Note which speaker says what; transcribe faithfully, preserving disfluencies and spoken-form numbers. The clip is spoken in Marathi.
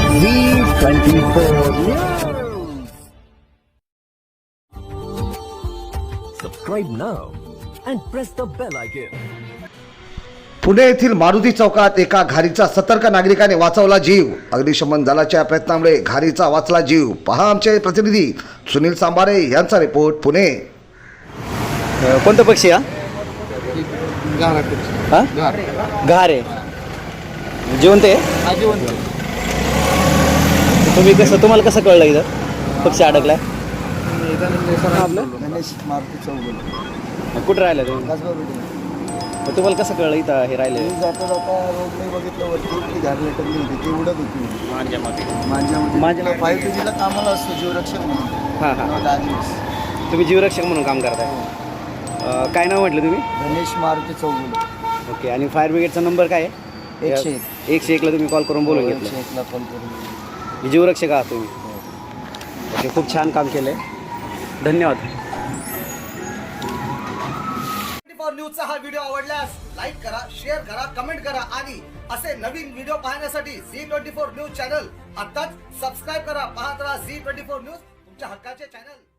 Speaker 1: Zee twenty four Subscribe now and press the bell icon.
Speaker 2: Pune येथील मारुती चौकात एका घारीचा सतर्क नागरिकाने वाचवला जीव. अग्निशमन दलाच्या प्रयत्नामुळे घारीचा वाचला जीव. पहा आमचे प्रतिनिधी सुनील सांबारे यांचा रिपोर्ट पुणे.
Speaker 3: कोणता पक्षी हा हा घार आहे जिवंत आहे. तुम्ही कसं तुम्हाला कसं कळलं इथं पक्षी अडकलाय? आपलं
Speaker 4: गणेश मारुती चौगुले
Speaker 3: कुठं राहिलं तुम्ही?
Speaker 4: त्याचबरोबर
Speaker 3: मग तुम्हाला कसं कळलं इथं हे राहिले?
Speaker 4: मी जाता जाता रोडने बघितलं वरती ती घार लटकली होती, ती उडत होती माझ्यामध्ये.
Speaker 3: माझ्या
Speaker 4: फाईव्ह टी जीला कामाला असतो जीवरक्षक म्हणून.
Speaker 3: हां हां
Speaker 4: दहा दिवस.
Speaker 3: तुम्ही जीवरक्षक म्हणून काम करताय. अं, काय नाव म्हटलं तुम्ही?
Speaker 4: गणेश मारुती चौगुले.
Speaker 3: ओके. आणि फायर ब्रिगेडचा नंबर काय आहे?
Speaker 4: एकशे एक
Speaker 3: एकशे एकला तुम्ही कॉल करून बोलून
Speaker 4: एकशे
Speaker 3: घेतलं.
Speaker 4: एकला कॉल करून.
Speaker 3: जीवरक्षक आहात तुम्ही. ओके. खूप छान काम केलं आहे. धन्यवाद.
Speaker 2: न्यूजचा हा व्हिडिओ आवडल्यास लाईक करा, शेअर करा, कमेंट करा आणि असे नवीन व्हिडिओ पाहण्यासाठी Zee twenty four news channel आताच सबस्क्राईब करा. पाहत राहा झी ट्वेंटी फोर न्यूज, तुमच्या हक्काचे चॅनल.